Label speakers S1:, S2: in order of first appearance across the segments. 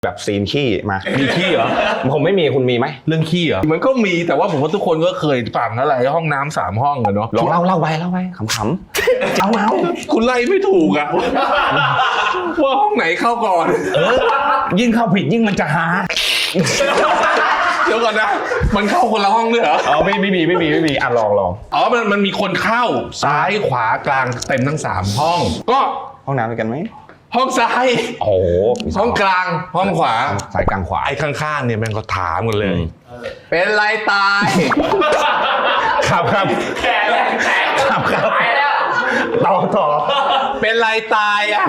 S1: แบบซีนขี้มา
S2: มีขี้เหรอ
S1: ผมไม่มีคุณมีไหม
S2: เรื่องขี้เหรอมันก็มีแต่ว่าผมว่าทุกคนก็เคยฝังอะไรห้องน้ำ3 ห้องอะเนาะ
S1: ลองเล่าไปขำๆเอา
S2: คุณไล่ไม่ถูกอะว่าห้องไหนเข้าก่อน
S1: ยิ่งเข้าผิดยิ่งมันจะหา
S2: เดี๋ยวก่อนนะมันเข้าคนละห้องด้วยเหรอ
S1: อ๋อไม่มีอ่ะลอง
S2: อ๋อมันมีคนเข้าซ้ายขวากลางเต็มทั้ง3 ห้องก็
S1: ห้องน้ำด้วยกันไหม
S2: ห้องซ้าย
S1: โอ้โห
S2: ห้องกลางห้องขวา
S1: สายกลางขวา
S2: ไอ้ข้างๆเนี่ยแม่งก็ถามกันเลย เป็นไรตาย
S1: ครับ
S3: แก่แล้วแก่ตายแล้ว
S1: ต่อ
S2: เป็นไรตายอ่ะ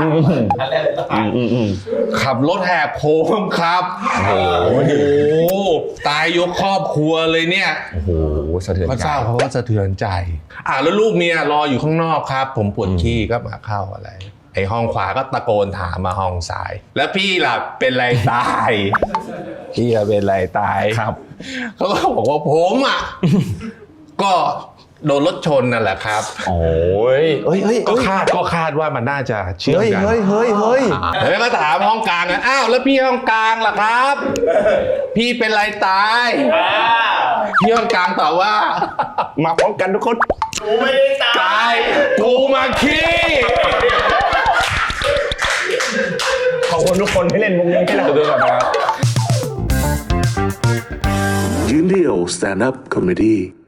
S2: ขับรถแหกโค้งครับโอ้โหตายยกครอบครัวเลยเนี่ย
S1: โอ้โหสะเทือน
S2: พระ
S1: ใจ
S2: เจ้าเขาก็สะเทือนใจแล้วลูกเมียรออยู่ข้างนอกครับ ผมปวดขี้ก็มาเข้าอะไรไอ้ห้องขวาก็ตะโกนถามมาห้องซ้าย แล้วพี่ล่ะเป็นไรตายพี่เป็นไรตาย
S1: ครับ
S2: เขาก็บอกว่าผมอ่ะก็โดนรถชนนั่นแหละครับ
S1: โอ้ย
S2: ก็คาดว่ามันน่าจะเชื่อมกัน
S1: เฮ้ย
S2: แล้วก็ถามห้องกลางอ้าวแล้วพี่ห้องกลางล่ะครับ พี่เป็นไรตายพี่ห้องกลางตอบว่า
S1: มาพร้อมกันทุกคน
S3: กูไม่ได้ตา
S2: ตาย ยกูมาขี้
S1: ขอบคุณทุกคนที่เล่นมุกนี้ให้เราด้วยนะครับ
S4: ยืนเดี่ยว Stand Up Comedy